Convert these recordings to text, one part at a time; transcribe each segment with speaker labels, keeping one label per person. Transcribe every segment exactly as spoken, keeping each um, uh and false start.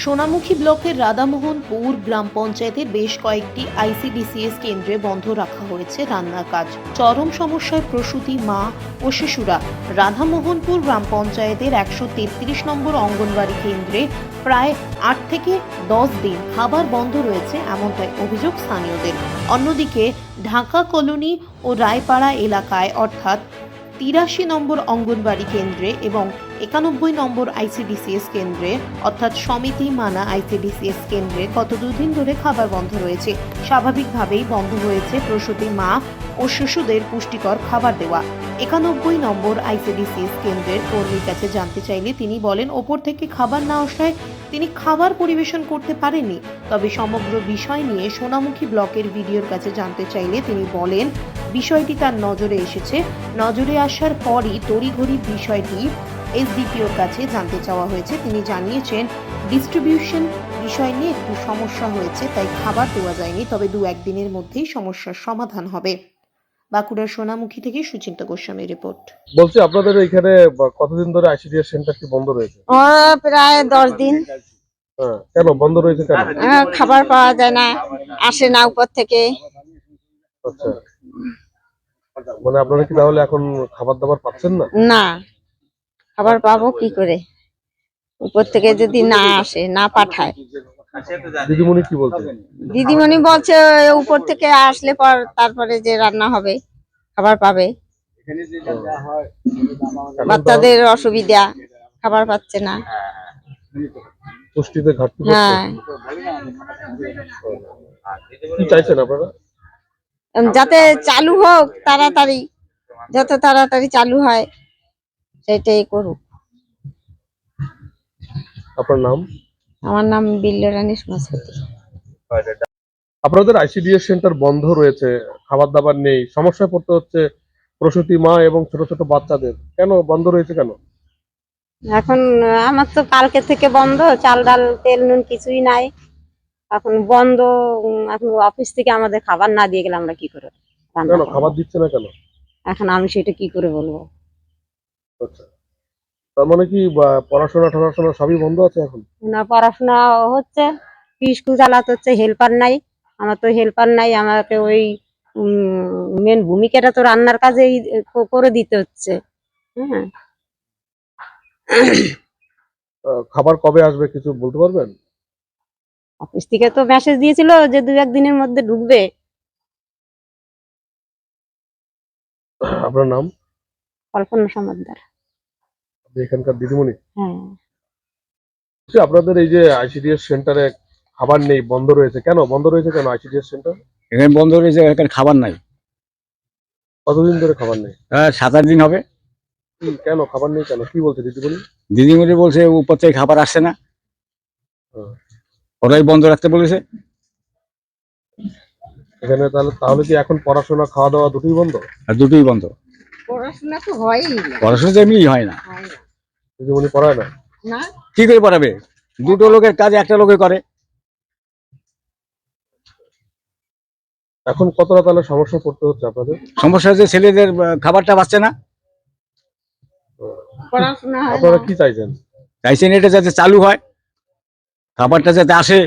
Speaker 1: সোনামুখী ব্লকের রাধামোহনপুর গ্রাম পঞ্চায়েতের বেশ কয়েকটি আইসিডিসিএস কেন্দ্রে বন্ধ রাখা হয়েছে রান্নার কাজ। চরম সমস্যায় প্রসূতি মা ও শিশুরা। রাধামোহনপুর গ্রাম পঞ্চায়েতের একশো তেত্রিশ নম্বর অঙ্গনওয়াড়ি কেন্দ্রে প্রায় আট থেকে দশ দিন খাবার বন্ধ রয়েছে, এমনটাই অভিযোগ স্থানীয়দের। অন্যদিকে ঢাকা কলোনি ও রায়পাড়া এলাকায় অর্থাৎ তিরাশি নম্বর অঙ্গনওয়াড়ি কেন্দ্রে এবং একানব্বই নম্বর আইসিডিসিএস কেন্দ্রে অর্থাৎ সমিতি মানা আইসিডিসিএস কেন্দ্রে গত দুদিন ধরে খাবার বন্ধ রয়েছে। স্বাভাবিকভাবেই বন্ধ হয়েছে প্রসূতি মা ও শিশুদের পুষ্টিকর খাবার দেওয়া। একানব্বই নম্বর আইসিডিসিএস কেন্দ্রের কর্মীর কাছে জানতে চাইলে তিনি বলেন, ওপর থেকে খাবার না আসায় তিনি খাবার পরিবেশন করতে পারেননি। তবে সমগ্র বিষয় নিয়ে সোনামুখী ব্লকের ভিডিওর কাছে জানতে চাইলে তিনি বলেন, বিষয়টি তার নজরে এসেছে। নজরে আসার পরই তড়িঘড়ি বিষয়টি এসডিপিওর কাছে জানতে চাওয়া হয়েছে। তিনি জানিয়েছেন, ডিস্ট্রিবিউশন বিষয় নিয়ে একটু সমস্যা হয়েছে, তাই খাবার দেওয়া যায়নি। তবে দু একদিনের মধ্যেই সমস্যার সমাধান হবে। বাঁকুড়ার সোনামুখী থেকে সুচিন্তা গোস্বামীর রিপোর্ট।
Speaker 2: বলছি, আপনাদের এখানে কতদিন ধরে আইসিডিএস সেন্টারটি বন্ধ রয়েছে?
Speaker 3: প্রায় দশ দিন।
Speaker 2: হ্যাঁ, কেন বন্ধ রয়েছে? কেন?
Speaker 3: আহ, খাবার পাওয়া যায় না, আসে না উপর থেকে।
Speaker 2: আচ্ছা, মানে আপনারা কি তাহলে এখন খাবার দাবার পাচ্ছেন না?
Speaker 3: না, খাবার পাবো কি করে? উপর থেকে যদি না আসে, না পাঠায়।
Speaker 2: দিদিমণি কি বলছে?
Speaker 3: দিদিমণি বলছে উপর থেকে আসলে পর তারপরে যে রান্না হবে, খাবার পাবে। বাচ্চাদের অসুবিধা, খাবার পাচ্ছে না।
Speaker 2: পুষ্টিতে ঘাটতি পড়ছে।
Speaker 3: হ্যাঁ,
Speaker 2: কি চাইছেন আপনারা?
Speaker 3: যাতে চালু হোক তাড়াতাড়ি, যত তাড়াতাড়ি চালু হয় সেটাই করুক।
Speaker 2: আপনার নাম?
Speaker 3: আমার নাম বিল্লরানী সমাজপতি।
Speaker 2: আপনাদের আইসিডিএস সেন্টার বন্ধ রয়েছে, খাবার দাবার নেই, সমস্যায় পড়তে হচ্ছে প্রসূতি মা এবং ছোট ছোট বাচ্চাদের। কেন বন্ধ রয়েছে কেন?
Speaker 3: এখন আমার তো কালকে থেকে বন্ধ, চাল ডাল তেল নুন কিছুই নাই। এখন বন্ধ। উম, এখন অফিস থেকে আমাদের খাবার না দিয়ে গেলে আমরা কি করে রান্না
Speaker 2: কেন
Speaker 3: করবো?
Speaker 2: খাবার দিচ্ছে না কেন?
Speaker 3: এখন আমি সেটা কি করে বলবো?
Speaker 2: আচ্ছা, তার মানে কি বা, পড়াশোনা টড়াশোনা সবই বন্ধ আছে এখন?
Speaker 3: না, পড়াশোনা হচ্ছে, স্কুল চালাতে হচ্ছে, হেল্পার নাই। আমার তো হেল্পার নাই, আমাকে ওই মেন ভূমিকাটা তো রান্নার কাজেই ক- করে দিতে হচ্ছে। হ্যাঁ,
Speaker 2: আহ, খাবার কবে আসবে কিছু বলতে পারবেন?
Speaker 3: অফিস থেকে তো মেসেজ দিয়েছিল যে দু একদিনের মধ্যে ঢুকবে।
Speaker 2: আপনার নাম?
Speaker 3: কল্পনা সমাদ্দার।
Speaker 2: আপনি এখানকার দিদিমণি?
Speaker 3: হ্যাঁ,
Speaker 2: বলছি, আপনাদের এই যে আইসিডিএস সেন্টারে খাবার নেই, বন্ধ রয়েছে, কেন বন্ধ রয়েছে কেন আইসিডিএস সেন্টার?
Speaker 4: এখানে বন্ধ রয়েছে, এখানে খাবার নাই।
Speaker 2: কতদিন ধরে খাবার নেই?
Speaker 4: আহ, সাত আট দিন হবে।
Speaker 2: কি কেন খাবার নেই কেন, কি বলছে দিদিমণি?
Speaker 4: দিদিমণি বলছে উপর থেকে খাবার আসছে না,
Speaker 2: হ্যাঁ।
Speaker 4: ওরাই বন্ধ রাখতে বলেছে।
Speaker 2: এখানে তাহলে তাহলে কি এখন পড়াশোনা খাওয়া দাওয়া দুটোই বন্ধ?
Speaker 4: আর দুটোই বন্ধ।
Speaker 3: পড়াশোনা তো হয়ই না।
Speaker 4: পড়াশোনা তো এমনি হয় না।
Speaker 3: হয় না।
Speaker 2: দিদিমণি পড়ায় না?
Speaker 3: না,
Speaker 4: কি করে পড়াবে? দুটো লোকের কাজ একটা লোকে করে।
Speaker 2: এখন কতটা তাহলে সমস্যা পড়তে হচ্ছে আপনাদের?
Speaker 4: সমস্যা হচ্ছে ছেলেদের আহ, খাবারটা পাচ্ছে না।
Speaker 3: পড়াশোনা হয়
Speaker 2: আপনারা
Speaker 3: না।
Speaker 2: কি চাইছেন?
Speaker 4: চাইছেন এটা যাতে চালু হয়, খাবারটা যাতে আসে।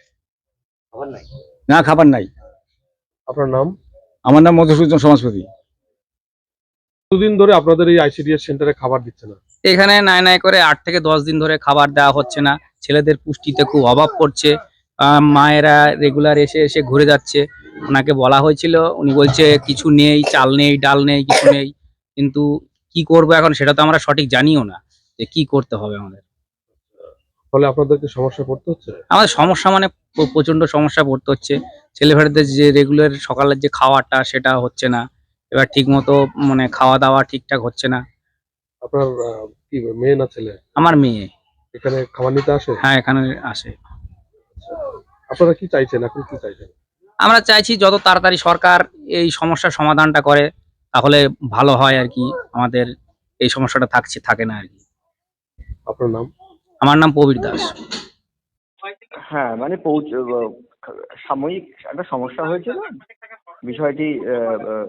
Speaker 4: না, খাবার নাই।
Speaker 2: আপনার নাম?
Speaker 4: আমার নাম মধুসূদন সমাজপতি।
Speaker 2: দুদিন ধরে আপনাদের এই আইসিডিএস সেন্টারে খাবার দিচ্ছে না?
Speaker 5: এখানে নাই নাই করে আট থেকে দশ দিন ধরে খাবার দেওয়া হচ্ছে না। ছেলেদের পুষ্টিতে খুব অভাব পড়ছে। আহ, মায়েরা রেগুলার এসে এসে ঘুরে যাচ্ছে। ওনাকে বলা হয়েছিল, উনি বলছে কিছু নেই, চাল নেই, ডাল নেই, কিছু নেই। কিন্তু কি করবো এখন সেটা তো আমরা সঠিক জানিও না যে কি করতে হবে আমাদের।
Speaker 2: ফলে আপনাদেরকে সমস্যা পড়তে হচ্ছে?
Speaker 5: আমাদের সমস্যা মানে প্র- প্রচন্ড সমস্যা পড়তে হচ্ছে। ছেলেমেয়েদের যে রেগুলার সকালের যে খাওয়াটা সেটা হচ্ছে না। এবার ঠিক মতো মানে খাওয়া দাওয়া ঠিকঠাক হচ্ছে না।
Speaker 2: আপনার আহ, কি মেয়ে না ছেলে
Speaker 5: আমার মেয়ে
Speaker 2: এখানে খাবার নিতে আসে?
Speaker 5: হ্যাঁ এখানে আসে।
Speaker 2: আপনারা কি চাইছেন, এখন কি চাইছেন?
Speaker 5: আমরা চাইছি যত তাড়াতাড়ি সরকার এই সমস্যার সমাধানটা করে তাহলে ভালো হয় আর কি। আমাদের এই সমস্যাটা থাকছে থাকে না আর কি।
Speaker 2: আপনার নাম?
Speaker 5: আমার নাম প্রবীর দাস।
Speaker 6: হ্যাঁ, মানে পৌঁছ আহ, সাময়িক একটা সমস্যা হয়েছিল। বিষয়টি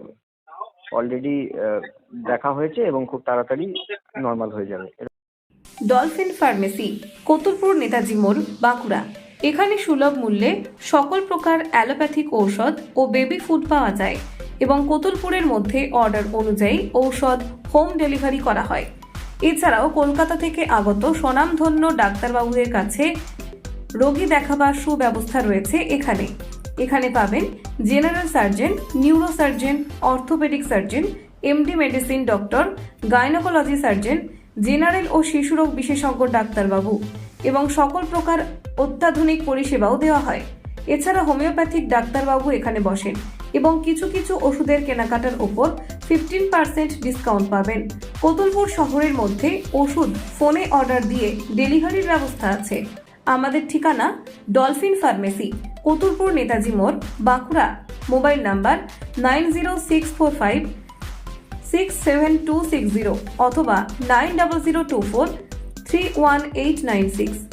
Speaker 6: অলরেডি দেখা হয়েছে এবং খুব তাড়াতাড়ি নর্মাল হয়ে যাবে।
Speaker 7: ডলফিন ফার্মেসি, কতুলপুর নেতাজি মোড়, বাঁকুড়া। এখানে সুলভ মূল্যে সকল প্রকার অ্যালোপ্যাথিক ঔষধ ও বেবি ফুড পাওয়া যায় এবং কতুলপুরের মধ্যে অর্ডার অনুযায়ী ঔষধ হোম ডেলিভারি করা হয়। এছাড়াও কলকাতা থেকে আগত স্বনামধন্য ডাক্তারবাবুদের কাছে রোগী দেখাবার সুব্যবস্থা রয়েছে এখানে। এখানে পাবেন general surgeon, neuro surgeon, orthopedic surgeon, MD medicine doctor, gynaecology surgeon, general ও শিশুরোগ বিশেষজ্ঞ ডাক্তারবাবু এবং সকল প্রকার অত্যাধুনিক পরিষেবাও দেওয়া হয়। এছাড়া হোমিওপ্যাথিক ডাক্তারবাবু এখানে বসেন এবং কিছু কিছু ওষুধের কেনাকাটার ওপর ফিফটিন পার্সেন্ট ডিসকাউন্ট পাবেন। কতুলপুর শহরের মধ্যে ওষুধ ফোনে অর্ডার দিয়ে ডেলিভারির ব্যবস্থা আছে। আমাদের ঠিকানা ডলফিন ফার্মেসি, কতুলপুর নেতাজি মোড়, Bankura. Mobile number nine zero six four five six seven two six zero অথবা nine double zero two four three one eight nine six.